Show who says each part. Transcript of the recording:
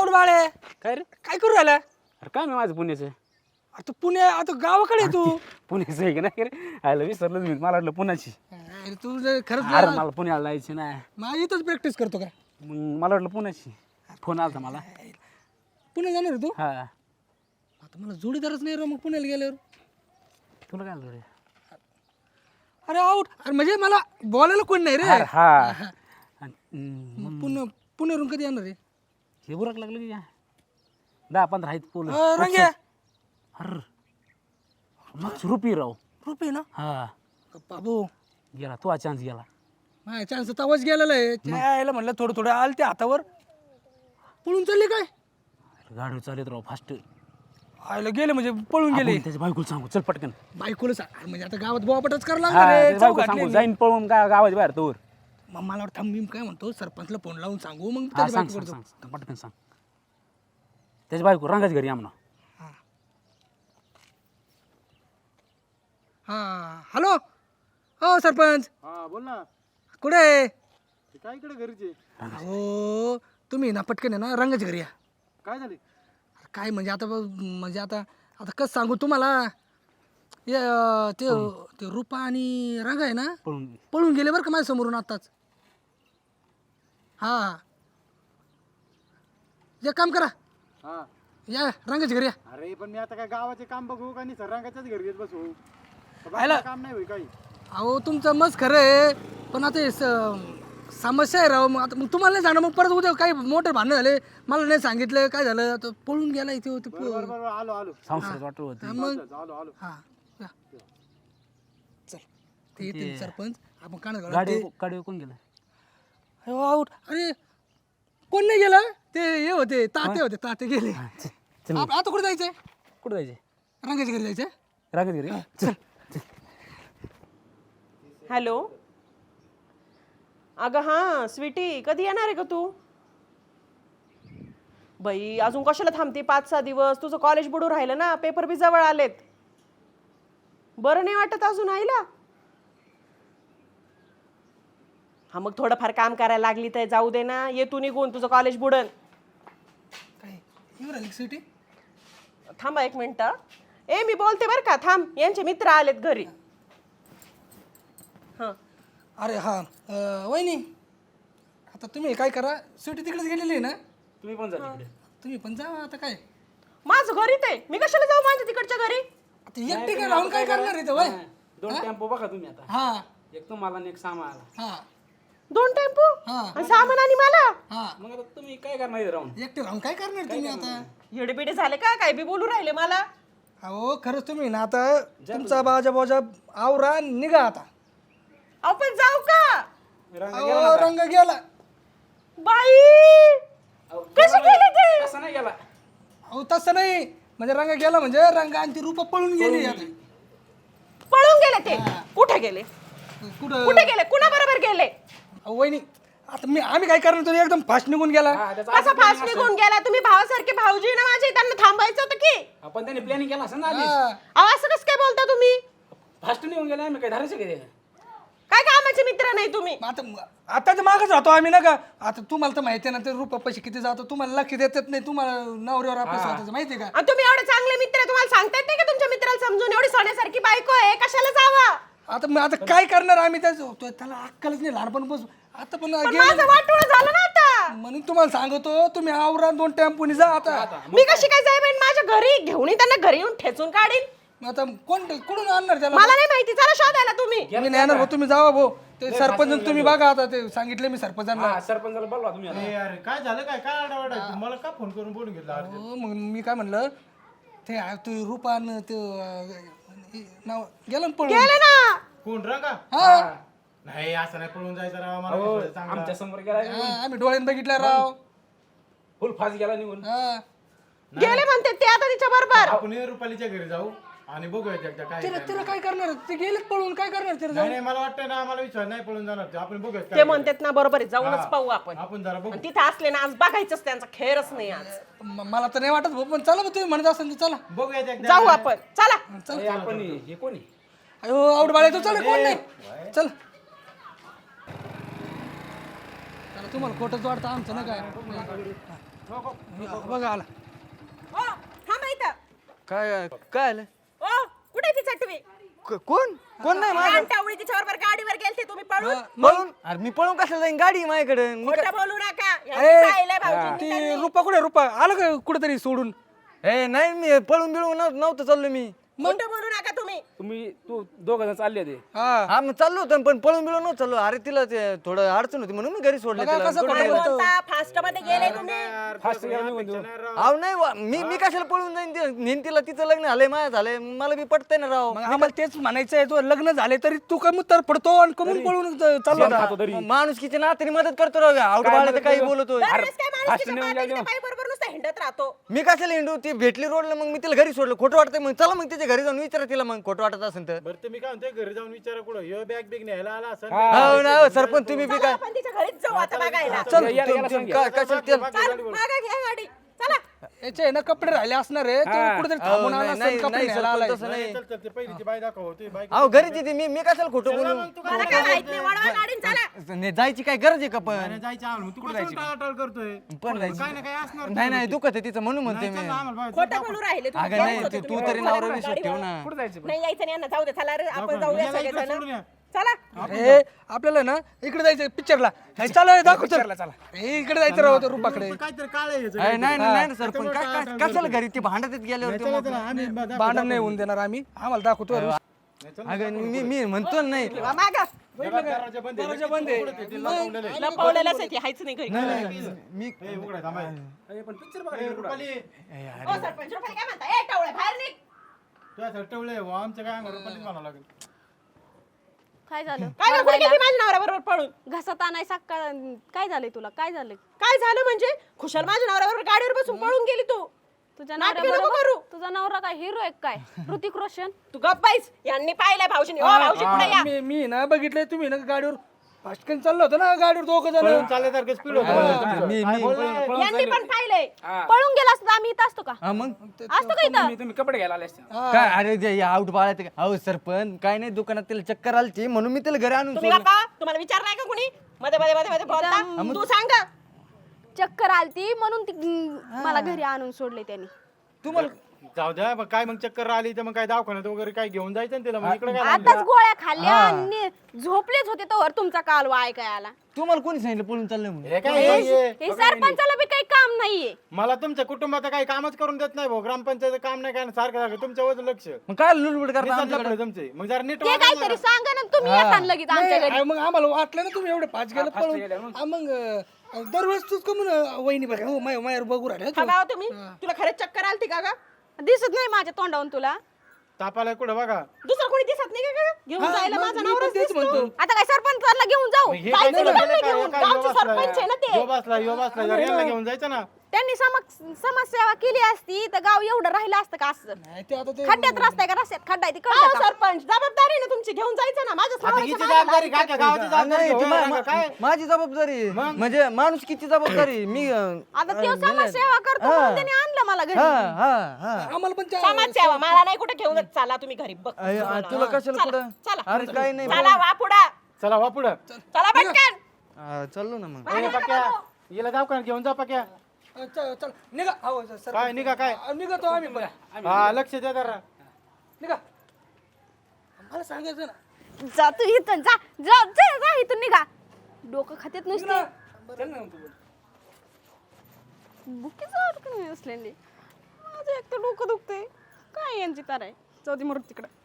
Speaker 1: आवर बाळे
Speaker 2: काय रे?
Speaker 1: काय करू राहिला?
Speaker 2: अरे काय मी माझं पुण्याचं
Speaker 1: अरे तू पुणे आता गावाकडे आहे तू.
Speaker 2: पुण्याचं आहे की नाही रे? आयला विसरलं मी, मला वाटलं पुण्याची.
Speaker 1: अरे तू खरंच
Speaker 2: अरे मला पुण्याला जायचं नाही.
Speaker 1: माझी इथंच प्रॅक्टिस करतो का?
Speaker 2: मग मला वाटलं पुण्याची. फोन आला मला.
Speaker 1: पुणे जाणार आहे तू?
Speaker 2: हा
Speaker 1: आता मला जोडीदारच नाही रे मग पुण्याला गेल्यावर.
Speaker 2: तुला काय आलं रे?
Speaker 1: अरे आऊट अरे म्हणजे मला बोलायला कोण नाही रे.
Speaker 2: अरे हा
Speaker 1: मग पुण्यावरून कधी येणार आहे?
Speaker 2: हे बुरक लागलं की 10-15 आहेत पोलं.
Speaker 1: रंग्या
Speaker 2: अरे मग रुपी राव.
Speaker 1: रुपये ना
Speaker 2: हा
Speaker 1: बाबू
Speaker 2: गेला तो चान्स गेला.
Speaker 1: माझ्या चान्स तवाच गेलेला आहे. यायला म्हणलं थोडं थोडं आलं ते हातावर पळून चालले काय
Speaker 2: गाडी चालत राव फास्ट.
Speaker 1: आयला गेले म्हणजे पळून गेले.
Speaker 2: त्याच्या बायकोला सांगू चल पटकन.
Speaker 1: बायकोला सांग म्हणजे आता गावात बोवापटच करायला
Speaker 2: हा,
Speaker 1: लागणार रे.
Speaker 2: त्याच्या बायकोला
Speaker 1: चौघातले.
Speaker 2: सांगू जाईन पळून गावाच्या बाहेर तोवर.
Speaker 1: मग मला वाटतं मी काय म्हणतो सरपंचला फोन लावून सांगू मग
Speaker 2: हा
Speaker 1: त्याच्या
Speaker 2: सांग
Speaker 1: बायकोकडे
Speaker 2: सांग सांग पटकन सांग. त्याच्या बायको रंगाच्या घरी आमना.
Speaker 1: हा हॅलो हो सरपंच
Speaker 3: हा बोल ना.
Speaker 1: कुठे आहे?
Speaker 3: काय इकडे घरीचे?
Speaker 1: हो तुम्ही ना पटकन आहे ना रंगाच्या घरी या.
Speaker 3: काय झाले?
Speaker 1: काय म्हणजे आता म्हणजे आता आता कसं सांगू तुम्हाला ते ते रुपा आणि रंग आहे ना
Speaker 2: पळून
Speaker 1: पळून गेले बरं का माझ्या समोरून आत्ताच. हा हा एक काम करा
Speaker 3: हा
Speaker 1: या रंगाच्या घरी या.
Speaker 3: अरे पण मी आता काय गावाचे काम बघू का नाही रंगाच्याच घरी येत बसू?
Speaker 1: आयला.
Speaker 3: काम नाही होई काही.
Speaker 1: अहो तुमचं मस्त खरं आहे पण आता हे समस्या आहे राव. मग आता मग तुम्हाला नाही सांगणार मग परत उद्या काही मोठे भांडणं झाले मला नाही सांगितलं काय झालं आता पळून गेला इथे होते
Speaker 3: बरोबर बरोबर आलो आलो
Speaker 2: संसारात वाटत होती.
Speaker 1: मग
Speaker 3: आलो आलो.
Speaker 1: हा या. चल ते येतील सरपंच आपण कानात
Speaker 2: गाडी गाडी कोण गेलं?
Speaker 1: आउट अरे कोण नाही गेला ते हे होते ताते होते ताते गेले.
Speaker 2: चल
Speaker 1: आता कुठे जायचंय?
Speaker 2: कुठं जायचे?
Speaker 1: रंगाच्या घरी जायचंय.
Speaker 2: रागाच्या घरी चल.
Speaker 4: हॅलो अगं हां स्वीटी कधी येणार आहे का तू? बाई अजून कशाला थांबते 5-6 दिवस? तुझं कॉलेज बुडू राहिलं ना, पेपर बी जवळ आलेत. बरं नाही वाटत अजून आईला? हा मग थोडंफार काम करायला लागली तर जाऊ दे ना. ये तू निघून, तुझं कॉलेज बुडन.
Speaker 1: काय येऊ राहिली सिटी?
Speaker 4: थांबा 1 मिनिट. ए मी बोलते बरं का, थांब. यांचे मित्र आलेत घरी. हां
Speaker 1: अरे हा वहिनी आता तुम्ही काय करा सिटी तिकडेच गेलेली आहे ना
Speaker 2: तुम्ही पण जा तिकडे.
Speaker 1: तुम्ही पण जा आता काय
Speaker 4: माझं घरी ते मी कशाला जाऊ माझ्या तिकडच्या घरी?
Speaker 1: आता एकटी काय राहून काय करणार इथं वय?
Speaker 2: 2 टेम्पो बघा तुम्ही आता.
Speaker 1: हा
Speaker 2: एक तुम्हाला आणि एक सामाला.
Speaker 1: हा
Speaker 4: 2 टेम्पो
Speaker 1: हा
Speaker 4: आणि सामान आणि मला.
Speaker 1: हा
Speaker 2: मग आता तुम्ही काय करणार इथे राहून?
Speaker 1: एकटे राहून काय करणार तुम्ही आता?
Speaker 4: येडेबिडे झाले का? काय बी बोलू राहिले मला.
Speaker 1: अहो खरंच तुम्ही ना आता तुमचा बाजा आवरा निघा आता.
Speaker 4: आपण जाऊ का?
Speaker 1: अहो रंग गेला.
Speaker 4: बाई कसे गेले ते?
Speaker 2: असं नाही गेला.
Speaker 1: अहो तसं नाही म्हणजे रंग गेला म्हणजे रंग आणि ती रूप पळून गेली आता.
Speaker 4: पळून गेले ते. कुठे गेले?
Speaker 1: कुठं
Speaker 4: कुठे गेले? कुणा बरोबर गेले?
Speaker 1: अहो वहिनी आता आम्ही काय करणार तुम्ही एकदम फास्ट निघून गेला.
Speaker 4: कसा फास्ट निघून गेला? तुम्ही भावासारखे भाऊजी ना माझे, त्यांना थांबायचं होतं की.
Speaker 2: आपण त्यांनी प्लॅनिंग केला असं ना आधीच.
Speaker 1: हा.
Speaker 4: अहो असं कसं काय बोलता तुम्ही?
Speaker 2: फास्ट निघून गेला आम्ही काय धरायचं काय?
Speaker 4: काय कामाचे मित्र नाही तुम्ही?
Speaker 1: आता तर मागच राहतो आम्ही ना का. आता तुम्हाला तर माहिती आहे ना ते रुपये पैसे किती जातो तुम्हाला लक्ष देतात नाही. तुम्हाला नवऱ्यावर आपल्या स्वतःचं माहिती आहे का?
Speaker 4: आणि तुम्ही एवढे चांगले मित्र आहे, तुम्हाला सांगता येत नाही का तुमच्या मित्राला समजून? एवढी सोन्यासारखी बायको आहे, कशाला जावा?
Speaker 1: आता काय करणार आम्ही त्याला अक्कलच नाही लहानपणापासून. आता पण
Speaker 4: पण माझं वाटोळं झालं ना आता.
Speaker 1: म्हणून तुम्हाला सांगतो तुम्ही आवरा 2 टेम्पोनी जा आता.
Speaker 4: मी कशी काय जाईन माझ्या घरी? घेऊन त्यांना घरी येऊन ठेचून काढीन.
Speaker 1: आता कुठून आणणार त्याला?
Speaker 4: मला नाही माहिती, चला शोधायला तुम्ही.
Speaker 1: मी नाही येणार भाऊ, तुम्ही जावा भाऊ. ते सरपंच तुम्ही बघा आता ते सांगितले मी सरपंचांना.
Speaker 2: हा सरपंचाला बोलवा तुम्ही आता.
Speaker 3: अरे अरे काय झालं काय आडावाडा मला का फोन करून बोलून घेतला?
Speaker 1: हो, मग मी काय म्हणलं ते तू रूपान ते नाव गेलं ना पळून.
Speaker 4: गेले ना.
Speaker 3: कोण रंगा?
Speaker 1: हा
Speaker 3: नाही असं नाही पळून जायचं राव मला विश्वास चांगला.
Speaker 2: आमच्या समोर गेला
Speaker 1: हा, आम्ही डोळ्यात बघितलं राव.
Speaker 2: फुल फास्ट गेला निघून.
Speaker 1: हा
Speaker 4: गेले म्हणते ते आता तिच्या बरोबर.
Speaker 3: आपण रुपालीच्या घरी जाऊ आणि बघूया एकदा काय
Speaker 1: तिला काय करणार ते गेलेच पळून काय करणार तिला
Speaker 3: नाही नाही मला वाटतं ना मला विश्वास नाही पळून जाणार ते. आपण बघूया
Speaker 4: ते
Speaker 3: काय
Speaker 4: म्हणतात ना बरोबर आहे, जाऊनच पाहू आपण.
Speaker 3: आपण जरा बघू.
Speaker 4: आणि तिथे असले ना आज बघायचंच, त्यांचा खेळच नाही आज.
Speaker 1: मला तर नाही वाटत भाऊ पण चला भाऊ, तुम्ही म्हणत असाल तर चला.
Speaker 3: बघूया एकदा.
Speaker 4: जाऊ आपण, चला.
Speaker 2: अरे आपण हे कोणी?
Speaker 1: अयो आवड बाळे तू चल कोण नाही चल. चला, तुम्हाला खोटंच वाटतं आमचं ना काय बघा आला
Speaker 4: ओ थांबा इथं.
Speaker 5: काय काय आलं
Speaker 4: ओ कुठे ती चटवी?
Speaker 5: कोण कोण नाही माझं
Speaker 4: घंटावळी तिच्याबरोबर गाडीवर गेलते तुम्ही पळून.
Speaker 5: पळून अरे मी पळून कशाला जाईन गाडी आहे माझ्याकडे
Speaker 4: खोटं बोलू नका. यांनी पाहिलंय भाऊजींनी.
Speaker 1: ती रुपा कुठे रुपा आलं का कुठेतरी सोडून
Speaker 5: ए नाही मी पळून बिळून नव्हतं चाललो मी
Speaker 4: खोटं बोलू नका तुम्ही.
Speaker 2: तू दोघ जण चालले ते
Speaker 1: हा
Speaker 5: हा मग चाललो होतो पण पळून बिळून नव्हतं चाललो अरे तिला ते थोडं अडचण होती म्हणून मी घरी सोडलं
Speaker 1: बघा
Speaker 5: तिला
Speaker 1: कसं
Speaker 4: काय बोलता? फास्ट मध्ये गेले तुम्ही.
Speaker 2: फास्ट निघून
Speaker 5: अहो नाही मी कशाला पळून जाईन नेन तिला तिचं लग्न झालंय माझ्या झालंय मला बी पटतंय ना राव
Speaker 1: मग आम्हाला तेच म्हणायचं आहे तो लग्न झाले तरी तू कमी तर पडतो आणि कमून पळून चाललो
Speaker 5: माणुसकीच्या नात्याने मदत करतो राव आउट बाळाचं काही बोलतोय
Speaker 4: दरवेळेस काय माणूस तिच्या पाठीच्या पायीबरोबर नुसतं हिंडत राहतो.
Speaker 5: मी कशाला हिंडू ती भेटली रोडला मग मी तिला घरी सोडलं खोटं वाटतंय मग चला मग तिच्या घरी जाऊन विचारा तिला मग खोटं वाटत असेल तर
Speaker 3: बरं तुम्ही काय म्हणतोय घरी जाऊन विचारा कुठं ह्यो बॅग बिग न्यायला आला असं
Speaker 5: हो ना हो, सरपंच तुम्ही बी काय
Speaker 4: आपण तिच्या घरीच जाऊ आता बघायला.
Speaker 5: चल कशाला ते
Speaker 4: चल मागा घ्या गाडी. चला.
Speaker 1: याचे आहे ना कपडे राहिले असणार आहे तो कुठेतरी थांबून आला
Speaker 5: नाही,
Speaker 1: असेल, कपडे
Speaker 5: नाही,
Speaker 1: न्यायला आलाय.
Speaker 5: सरपंच तसं नाही
Speaker 3: चल चल ते पहिली ती बाई दाखव ती बाई
Speaker 5: अहो घरीच येते मी कशाला खोटं बोलू
Speaker 4: मला काय माहित नाही. वळवा गाडीन चला.
Speaker 5: नाही, जायची काय गरज आहे का पण
Speaker 3: जायचं आम्हाला तू कुठे टाळाटाळ करतोय
Speaker 5: पण जायची
Speaker 3: काय ना काय असणार
Speaker 5: नाही दुखत आहे तिचं म्हणून म्हणते मी
Speaker 3: आम्हाला बाई
Speaker 4: खोटं बोलू राहिले तुम्ही.
Speaker 5: अगं नाही
Speaker 4: गेलेच होते
Speaker 5: तू
Speaker 4: तुम्ही.
Speaker 5: तरी नवरा विषय ठेव ना
Speaker 2: कुठं जायचं
Speaker 4: नाही यायचं नाही यांना. जाऊ दे. चला रे आपण जाऊया
Speaker 3: याला इकडे सोडून
Speaker 4: सगळेजण.
Speaker 3: या.
Speaker 4: चला.
Speaker 1: ए आपल्याला ना इकडे जायचं पिक्चरला चला दाखव चला इकडे जायचं राहतो रुपाकडे
Speaker 3: काहीतरी काळ आहे याचं.
Speaker 5: अरे नाही ना सरपंच कशाला घरी ती भांडत गेल्यावर ते
Speaker 3: चला, चला, आम्ही
Speaker 1: भांडण नाही होऊन देणार आम्ही आम्हाला दाखवतो
Speaker 5: अगं मी म्हणतो ना नाही
Speaker 4: वा मागा.
Speaker 3: दरवाजा बंद आहे.
Speaker 4: लपवलेलंच आहे ते. हायच नाही घरी.
Speaker 5: मी
Speaker 3: ए, उघडा, थांबा. ए, रुपाली,
Speaker 4: ओ सरपंच रुपाली काय म्हणता? ए टावळे बाहेर निघ.
Speaker 3: तुझ्या टवळे हो, आमचं काय अंगावर रुपालीच म्हणावं लागेल.
Speaker 6: काय झालं
Speaker 4: काय गं, कुठे गेली माझ्या नवऱ्याबरोबर पळून?
Speaker 6: घसात आणायचा काय झालंय तुला काय झालंय
Speaker 4: काय झालं म्हणजे? खुशाल माझ्या नवऱ्याबरोबर गाडीवर बसून पळून गेली तू.
Speaker 6: तुझ्या
Speaker 4: नाटकं नको
Speaker 6: नवऱ्याबरोबर
Speaker 4: करू.
Speaker 6: तुझा नवरा काय हिरो आहे काय ऋतिक रोशन
Speaker 4: तू गप्प बाईस. यांनी पाहिलंय भाऊजींनी. ओ भाऊजी पुढे या.
Speaker 1: मी ना बघितलंय तुम्ही ना गाडीवर फास्टकन चाललो होतो ना गाडीवर दोघं जण
Speaker 3: पळून चालल्यासारखं स्पीड होतं.
Speaker 4: यांनी पण पाहिलंय.
Speaker 6: पळून गेला असता आम्ही इथं असतो का
Speaker 5: हा मग
Speaker 6: असतो का इथं
Speaker 2: तुम्ही कपडे घ्यायला आले असते
Speaker 5: काय अरे ते आउट बाळात अहो सरपंच काय नाही दुकानात तिला चक्कर आलती म्हणून मी तिला घरी आणून
Speaker 4: तुम्ही
Speaker 5: सोडलं
Speaker 4: गप्पा. तुम्हाला विचारलंय का कुणी? मध्ये मध्ये मध्ये मध्ये बोलता. तू सांग.
Speaker 6: चक्कर आलती म्हणून ती मला घरी आणून सोडले त्यांनी
Speaker 5: तुम्हाला
Speaker 3: जाऊ द्या मग काय मग चक्कर आली तर मग काय दवाखान्यात वगैरे काय घेऊन जायचं ना तिला मग इकडे काय
Speaker 6: आताच गोळ्या खाल्ल्या आणि झोपलेच होते तर तुमचा काल ऐकाय आला
Speaker 5: तुम्हाला कोणी सांगितलं पळून चाललं म्हणून
Speaker 3: हे काय हे?
Speaker 6: हे सरपंचाला बी काही काम नाहीये
Speaker 3: मला तुमच्या कुटुंबाचं काही कामच करून देत नाही भाऊ ग्रामपंचायत काम नाही काय नाही, सारखं सारखं तुमच्या वजन लक्ष
Speaker 5: मग काय लुडबुड करता
Speaker 3: निसटलं
Speaker 5: आमच्याकडे
Speaker 3: पुढे तुमचे मग जरा नीट
Speaker 6: ते
Speaker 3: वागा
Speaker 6: काहीतरी सांगा ना तुम्ही येताना लगेच आमच्या घरी
Speaker 1: नाही, मग आम्हाला वाटलं ना तुम्ही एवढे पाच गेलं पळून मग दरवेळेस तूच का म्हणून वहिनी बघा हो मायर बघू राहिले
Speaker 4: हा भाऊ तुम्ही. तुला खरंच चक्कर आलती का ग?
Speaker 6: दिसत नाही माझ्या तोंडावून तुला
Speaker 3: तापाला कुठं बघा
Speaker 4: दुसरं कोणी दिसत नाही का ग? घेऊन जायला माझा नवराच
Speaker 1: तेच
Speaker 4: दिसतो.
Speaker 1: म्हणतो
Speaker 6: आता काय सरपंचाला घेऊन जाऊ
Speaker 3: हे काय
Speaker 4: जायचं
Speaker 3: केलं?
Speaker 4: का नाही
Speaker 3: काय-
Speaker 4: घेऊन?
Speaker 3: काय
Speaker 4: गावचे
Speaker 3: यो
Speaker 4: सरपंच आहे ना ते.
Speaker 3: यो बसला जरा यांना घेऊन जायचं ना
Speaker 6: त्यांनी समाजसेवा केली असती तर गाव एवढं राहिलं असतं का असं
Speaker 1: नाही ते आता ते
Speaker 6: खड्ड्यात रस्ता आहे का रस्त्यात खड्डा आहे ते
Speaker 4: हो,
Speaker 6: कळतं का?
Speaker 4: सरपंच जबाबदारी आहे ना तुमची. घेऊन जायचं ना. माझ्या
Speaker 3: आता
Speaker 4: नवऱ्याच्या
Speaker 3: हिची
Speaker 4: मागं
Speaker 3: जबाबदारी काय काय गावाची
Speaker 5: नाही,
Speaker 3: जबाबदारी
Speaker 5: ती
Speaker 3: हो, काय
Speaker 5: माझी जबाबदारी म्हणजे माणूस किती जबाबदारी मी
Speaker 6: आता तो समाजसेवा करतो म्हणून त्याने आणलं मला घरी
Speaker 1: आम्हाला पण त्या-
Speaker 4: समाजसेवा मला नाही कुठे घेऊन जात. चला तुम्ही घरी बघ.
Speaker 5: तुला कशाला कुठं
Speaker 4: चला.
Speaker 5: अरे काय नाही
Speaker 4: चला वा पुढं.
Speaker 3: चला वा पुढं
Speaker 4: चला पटकन.
Speaker 5: चाललो ना मग
Speaker 3: ए, पक्या हिला जाऊ का घेऊन जा पक्या
Speaker 1: चल निघा अहो, सर
Speaker 3: काय निघा काय
Speaker 1: निघतो आम्ही पण
Speaker 3: हा लक्ष द्या जरा
Speaker 1: निघा मला सांगायचं ना
Speaker 6: जा तू इथून जा जा जा जा इथून निघा डोकं खात्यात नुसते
Speaker 2: चल ना तू
Speaker 6: बुकीचं अडकून असलेली माझं एक तर डोकं दुखते काय यांची तार आहे जाऊ दे मरू तिकडं